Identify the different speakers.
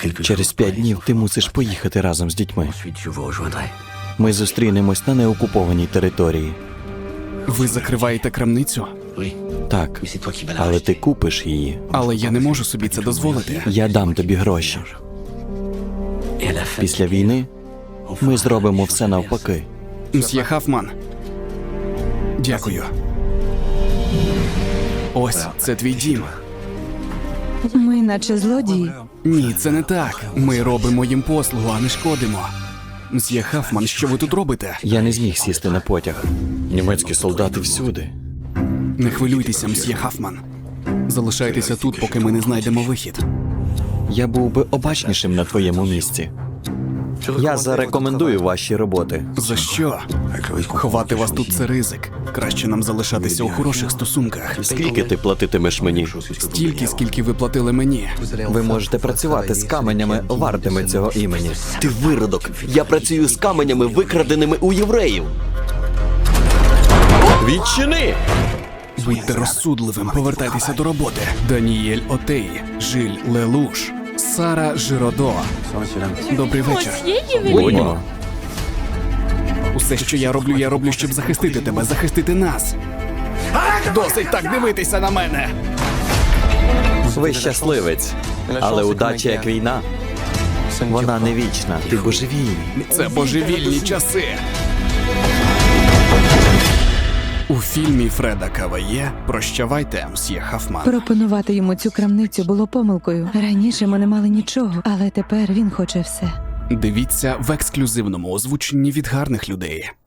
Speaker 1: Через 5 днів ти мусиш поїхати разом з дітьми. Ми зустрінемось на неокупованій території.
Speaker 2: Ви закриваєте крамницю?
Speaker 1: Так, але ти купиш її.
Speaker 2: Але я не можу собі це дозволити.
Speaker 1: Я дам тобі гроші. Після війни ми зробимо все навпаки.
Speaker 2: Мсьє Хафман. Дякую. Ось, це твій дім.
Speaker 3: Ми наче злодії.
Speaker 2: Ні, це не так. Ми робимо їм послугу, а не шкодимо. Мсьє Хафман, що ви тут робите?
Speaker 1: Я не зміг сісти на потяг. Німецькі солдати всюди.
Speaker 2: Не хвилюйтеся, мсьє Хафман. Залишайтеся тут, поки ми не знайдемо вихід.
Speaker 1: Я був би обачнішим на твоєму місці. Я зарекомендую ваші роботи.
Speaker 2: За що? Ховати вас тут – це ризик. Краще нам залишатися у хороших стосунках.
Speaker 1: Скільки ти платитимеш мені?
Speaker 2: Стільки, скільки ви платили мені.
Speaker 1: Ви можете працювати з каменями, вартими цього імені. Ти виродок! Я працюю з каменями, викраденими у євреїв! Відчини!
Speaker 2: Будьте розсудливим, повертайтеся до роботи. Даніель Отей, Жиль Лелуш, Сара Жиродо. Добрий вечір.
Speaker 1: Будьмо.
Speaker 2: Усе, що я роблю, щоб захистити тебе, захистити нас. Досить так дивитися на мене!
Speaker 1: Ви щасливець, але удача як війна. Вона не вічна, ти божевільний.
Speaker 2: Це божевільні часи. У фільмі Фреда Каває «Прощавайте, мсьє Хафман».
Speaker 3: Пропонувати йому цю крамницю було помилкою. Раніше ми не мали нічого, але тепер він хоче все.
Speaker 2: Дивіться в ексклюзивному озвученні від гарних людей.